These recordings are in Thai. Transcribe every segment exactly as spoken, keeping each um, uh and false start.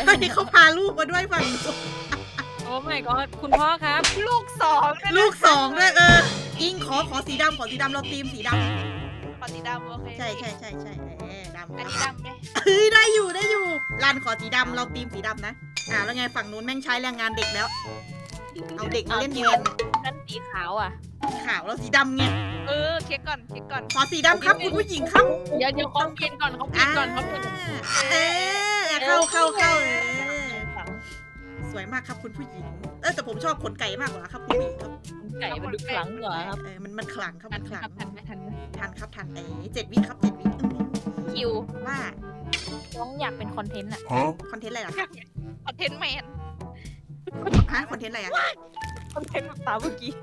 เฮ้ยเขาพาลูกมาด้วยฝั่งโอ้ my god คุณพ่อครับลูกสองลูกสองด้วยเอออิงขอขอสีดำขอสีดำเราทีมสีดำปฏิดำโอเคใช่ใช่ใช่ใช่เออดำอันนี้ดำไหมเฮ้ยได้อยู่ได้อยู่รันขอสีดำเราทีมสีดำนะอ่าแล้วไงฝั่งนู้นแม่งใช้แรงงานเด็กแล้วเอาเด็กมาเล่นแทนนั่นสีขาวอ่ะขาวเราสีดำไงเออเช็คก่อนเช็คก่อนขอสีดำครับคุณผู้หญิงครับเดี๋ยวเดี๋ยวเขาเปลี่ยนก่อนเขาเปลี่ยนก่อนเขาเปลี่ยนเออเข้าเข้าเข้าเออสวยมากครับคุณผู้หญิงเออแต่ผมชอบขนไก่มากกว่าครับคุณผู้หญิงครับไก่มันดูขลังเหรอครับเออมันมันขลังครับทัมัน นขคลัรับงทันไหมทันไหมทันครับทันเอ้เจ็ดวิครับเจ็ดวิอืมคิวว่าน้องอยากเป็นคอนเทนต์อ่ะคอนเทนต์อะไรล่ะคอนเทนต์แมนฮะคอนเทนต์อะไรอ่ะคอนเทนต์แบบตาเมื่อกี้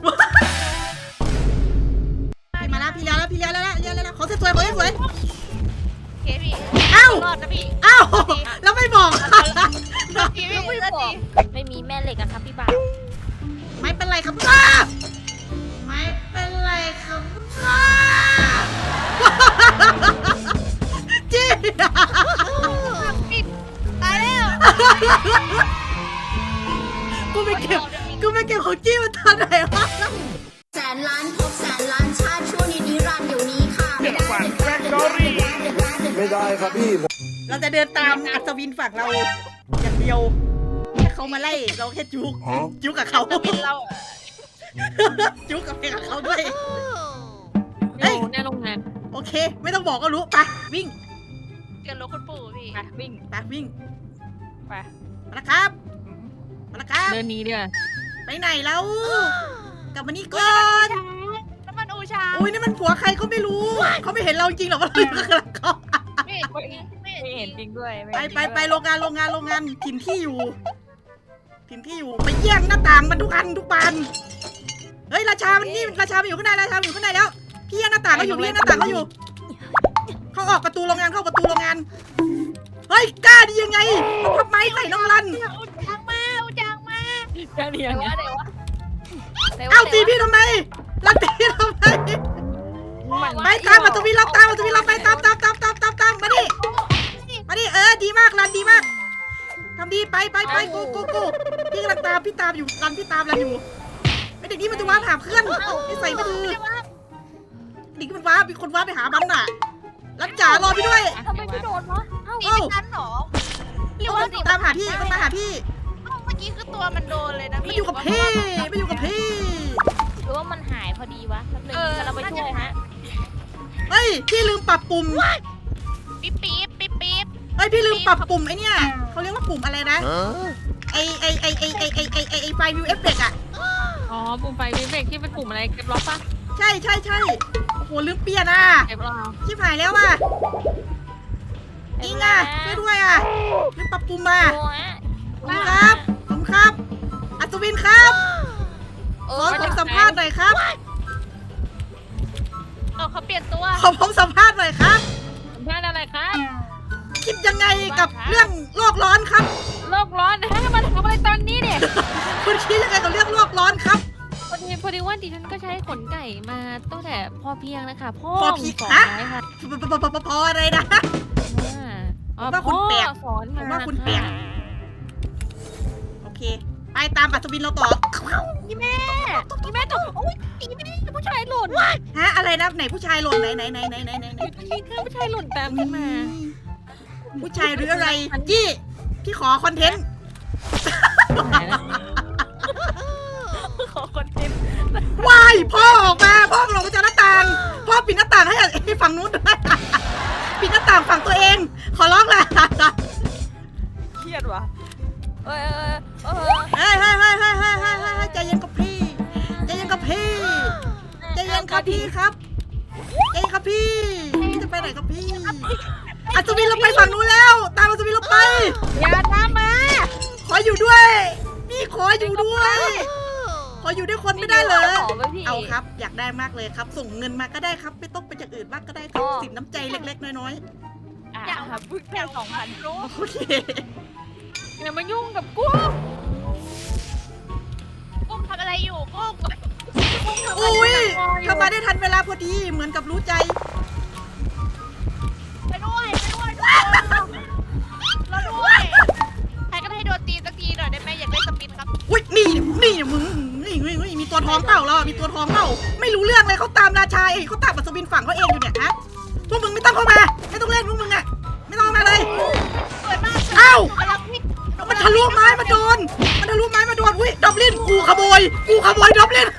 พี่มาแล้วพี่เลี้ยแล้วพี่เลี้ยแล้วเลี้ยแล้วเขาสวยๆเขาสวยเคพี่เอ้ารอดนะพี่เอ้าแล้วไม่บอกพี่พี่พี่ดีไม่มีแม่เหล็กอะครับพี่บ่าวไม่เป็นไรครับป้าไม่เป็นไรครับป้าจี้ปิดตายแล้วกูไปเก็บกูไปเก็บของจี้มาตอนไหนวะแสนล้านพบแสนล้านชาติช่วงนี้นิรันดร์เดี๋ยวนี้ค่ะ ไม่ได้เด็ดแรกเด็ดแรกเด็ดแรกเด็ดแรกเด็ดแรกไม่ได้ครับพี่เราจะเดินตามอัศวินฝั่งเราอย่างเดียวแค่เขามาไล่เราแค่จุกจุกกับเขาจะเป็นเราอะจุกกับเพลงกับเขาด้วยเฮ้ยแน่โรงงานโอเค ไม่ต้องบอกก็รู้ไปวิ่งเกินรถคุณปู่พี่ไปวิ่งไปวิ่งไปมาแล้วครับมาแล้วครับเดินหนี้เดียวาไปไหนแล้วกลับมานี่ก่อนน้ำมันอูชาอุ้ยนี่มันผัวใครก็ไม่รู้เขาไม่เห็นเราจริงหรอกว่าเราอยู่ข้างหลังเขาไม่เห็นจริงไม่ไม่เห็เห็นนจจริริงงด้วยไปไปไปโรงงานโรงงานโรงงานถิ่นที่อยู่ถิ่นที่อยู่ไปแย่งหน้าต่างมันทุกอันทุกบานเฮ้ยราชามันนี่ราชามันอยู่ข้างในราชามันอยู่ข้างในแล้วพี่แย่งหน้าต่างเขาอยู่พี่แย่งหน้าต่างเขาอยู่เขาออกประตูโรงงานเข้าประตูโรงงานเฮ้ยกล้าดียังไงมันทำไมใส่น้องรันอูจางมาอูจางมาแค่นี้เดี๋ยวไงวะเดี๋ยววะเอ้าตีพี่ทำไมรันตีทำไมไปตามอัศวินเราตามอัศวินเราไปตามตามตามตามตามตามมาดิมาดิเออดีมากรันดีมากทำดีไปไปไปโกโกโกพี่กำลังตามพี่ตามอยู่รันพี่ตามรันอยู่ไอเด็กนี่มันจะว้าหาเพื่อนนี่ใส่ไม่ดีเด็กมันว้ามีคนว้าไปหามันน่ะรันจ๋ารอพี่ด้วยทำไมไม่โดนวะเอ้าตีเป็นกันเหรอหรือว่าตามหาพี่มันมาหาพี่เมื่อกี้คือตัวมันโดนเลยนะมันพี่อยู่กับพี่มันอยู่กับพี่หรือว่ามันหายพอดีวะแป๊บนึงกำลังไปช่วยฮะเฮ้ยพี่ลืมปรับปุ่มปี๊บปี๊บปี๊บปี๊บเฮ้ยพี่ลืมปรับปุ่มไอเนี่ยเขาเรียกว่าปุ่มอะไรนะไอไอไอไอไอไอไอไอไอไฟวิวเอฟเฟกต์อะอ๋อปุ่มไฟวิเวกที่เป็นปุ่มอะไรเก็บล็อกปะใช่ใช่ใช่โอ้โหลืมเปลี่ยนอ่ะเก็บล็อกชิบหายแล้วอ่ะอิงอ่ะช่วยด้วยอ่ะลืมปรับปุ่มมาขอบคุณครับขอบคุณครับอัศวินครับขอผมสัมภาษณ์หน่อยครับเออเขาเปลี่ยนตัวขอผมสัมภาษณ์หน่อยครับสัมภาษณ์อะไรครับคิดยังไงกับเรื่องโลกร้อนครับโลกร้อนนะฮะมันทำอะไรตอนนี้เนี่ยคุณคิดยังไงกับเรื่องโลกร้อนครับพอดีพอดีว่าดิฉันก็ใช้ขนไก่มาตั้งแต่พอเพียงนะคะพ่อพอเพียงสอนฮะไว้ค่ะพอพอพอพออะไรนะอ่าผมว่าคุณแปลกพ่อสอนผมว่าคุณแปลก โอเค ไปตามอัศวินเราต่อนี่แม่นี่แม่ตกโอ๊ยนี่แม่ผู้ชายหล่นฮะอะไรนะไหนผู้ชายหล่นไหนไหนไหนไหนไหนไหนไหนมีเครื่องผู้ชายหล่นตามขึ้นมาผู้ชายหรืออะไรยี่พี่ขอคอนเทนต์ขอคอนเทนต์วายพ่อออกมาพ่อลงมาจากหน้าต่างพ่อปิดหน้าต่างให้ไอ้ฝั่งนู้นด้วยปิดหน้าต่างฝั่งตัวเอง ขอร้องแหละเครียดว่ะเออเออเฮ้ยเฮ้ยเฮ้ยเฮ้ยเฮ้ยเฮ้ยเฮ้ยใจเย็นกับพี่ใจเย็นกับพี่ใจเย็นครับพี่ครับใจเย็นครับพี่พี่จะไปไหนครับพี่อัศวินเราไปฝั่งนู้นแล้ว ตามอัศวินเราไปอย่าตามมาขออยู่ด้วยพี่ขออยู่ด้วย ขออยู่ด้วยคนไม่ได้เลย เอาครับ อยากได้มากเลยครับ ส่งเงินมาก็ได้ครับ ไม่ต้องไปจากอื่นมากก็ได้ครับสินน้ำใจเล็กๆน้อยอยากหาพึ่งแค่สองพันรู้ๆโอเคอย่ามายุ่งกับกูกุ้งทำอะไรอยู่กุ้งอุ้ยเข้ามาได้ทันเวลาพอดีเหมือนกับรู้ใจไปด้วยไปด้วยทุกคนเราด้วยท้องเปล่าเราอะมีตัวท้องเปล่าไม่รู้เรื่องเลยเขาตามราชาเองเขาตามอัศวินฝั่งเขาเองอยู่เนี่ยฮะพวกมึงไม่ต้องเข้ามาไม่ต้องเล่นพวกมึงอะไม่ต้องเข้ามาเลยเปิดมากเอ้ากำลังวิ่งมันทะลุไม้มาโดนมันทะลุไม้มาโดนอุ้ยดอบลินกูขโมยกูขโมยดอบลิน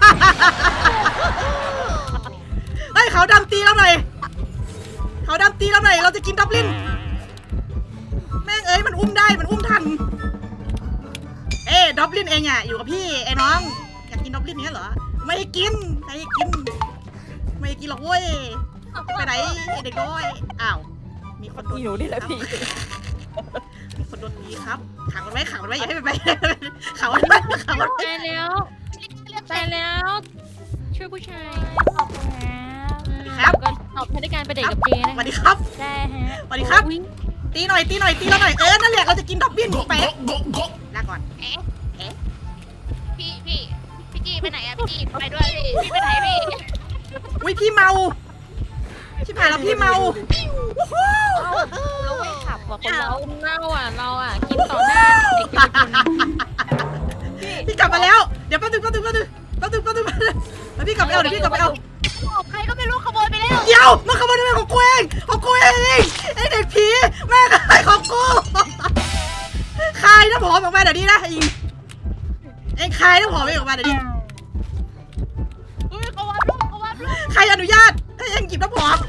เฮ้ยเขาดำตีเราหน่อยเขาดำตีเราหน่อยเราจะกินดอบลินแม่งเอ้ยมันอุ้มได้มันอุ้มทันเอ้ดอบลินเองอะอยู่กับพี่ไอ้น้องอยากกินดอบลินเนี้ยเหรอไม่ให้กินไม่ให้กินไม่ให้กินหรอกเว้ยไปไหนไอ้เด็กน้อยอ้าวมีคนโดนอยู่นี่แหละพี่มีคนโดนตีครับขังมันไว้ขังมันไว้อย่าให้มันไปขังมันไว้ขังมันไว้ตายแล้วตายแล้ว ช่วยผู้ชายขอบคุณครับก็ตอบให้ด้วยการไปเดทกับเจสนะวัสดีครับได้ฮะสวัสดีครับ ตีหน่อยตีหน่อยตีเราหน่อยเออนั่นแหละเราจะกินดอกเบี้ยไปลาก่อนเอ๊ะเอ๊ะพี่พี่พี่จีไปไหนอะพี่จีไปด้วยพี่พี่ไปไหนพี่อุ้ยพี่เมาชิบหายแล้วพี่เมาวู้ฮู้เราไม่ขับว่ะคนเราเราเน่าอ่ะเราอ่ะกินต่อหน้าเด็กเยาวชนพี่กลับมาแล้วเดี๋ยวแป๊บนึงแป๊บนึงแป๊บนึงแป๊บนึงแป๊บนึงแป๊บนึงแล้วพี่กลับไปเอาเดี๋ยวพี่กลับไปเอาของใครก็ไม่รู้ขโมยไปแล้วเดี๋ยวมันขโมยทำไมของกูเองของกูเองไอเด็กผีแม่งขายของกูคายน้ำหอมออกมาเดี๋ยวนี้นะอิงเองคายน้ำหอมเองออกมาเดี๋ยวนี้อุ้ยเขาวัดลูกเขาวัดลูกใครอนุญาตให้เองหยิบน้ำหอม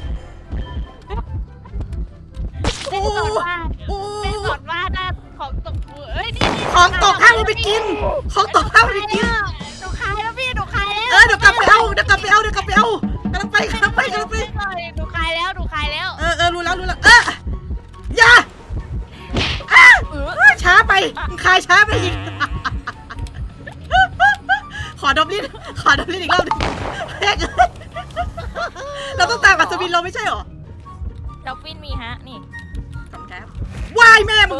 โอ้เป็นก่อนว่าโอ้เป็นก่อนว่าหน้าของตกมือเอ้ยนี่ของตกห้ามเอาไปกิน ของตกห้ามเอาไปกินหนูขายแล้วพี่หนูขายแล้วเออเดี๋ยวกลับไปเอาเดี๋ยวกลับไปเอาเดี๋ยวกลับไปเอากำลังไปกำลังไปกำลังไปหนูขายแล้วหนูขายแล้วเออเออรู้แล้วรู้แล้วเอออย่าอ่ะเออช้าไปมึงคายช้าไปอีก ขอดอบลิ้นขอดอบลิ้นอีกรอบหนึงแม่งเราต้องตามอัศวินเราไม่ใช่หรอดอฟฟินมีฮะ นี่ขอบคุณครับวายแม่มึง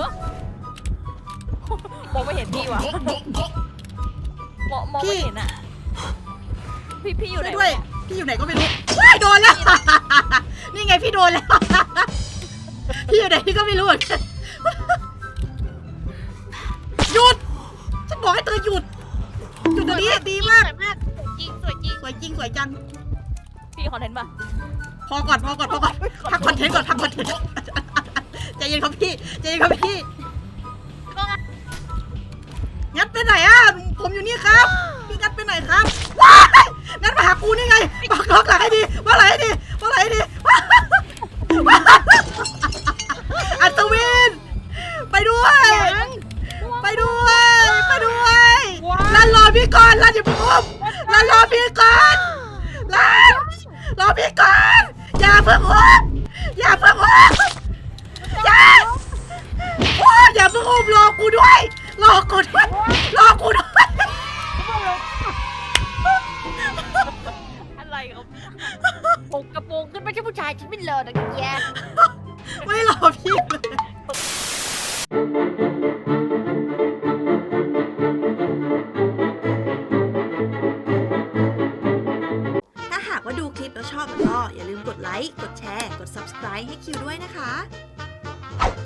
มองไม่เห็นพี่ว่ะมองมองไม่เห็นอ่ะ พี่พี่อยู่ไหนช่วยด้วยพี่อยู่ไหนก็ไม่รู้ว้ายโดนแล้ว นี่ไงพี่โดนแล้ว พี่อยู่ไหนพี่ก็ไม่รู้เหมือนกันหยุดฉันบอกให้เธอหยุดหยุดเดี๋ยวนี้ดีมากสวยมากจริงสวยจริงสวยจริงสวยจังพี่คอนเทนต์ป่ะพอก่อนพอก่อนพอก่อนพักคอนเทนต์ก่อนพักคอนเทนต์ใจเย็นครับพี่ใจเย็นครับพี่งัดไปไหนอ่ะผมอยู่นี่ครับพี่งัดไปไหนครับว้ายงัดมาหากูนี่ไงบอกล็อกหลังให้ดีว่าหลังให้ดีว่าหลังให้ดีอัศวินไปด้วยไปด้วยไปด้วยลันรอพี่ก่อนลันอย่าเพิ่งอุ้มลันรอพี่ก่อนลันรอพี่ก่อนอย่าเพิ่งอุ้มอย่าเพิ่งอุ้มอย่าโอ้ยอย่าเพิ่งอุ้มรอกูด้วยรอกูด้วยรอกูด้วยอะไรครับผมกระโปรงขึ้นไม่ใช่ผู้ชายฉันไม่เลอะนะแย่ไม่รอพี่เลยถ้าหากว่าดูคลิปแล้วชอบก็อย่าลืมกดไลค์ กดแชร์ กด ซับสไครบ์ ให้คิวด้วยนะคะ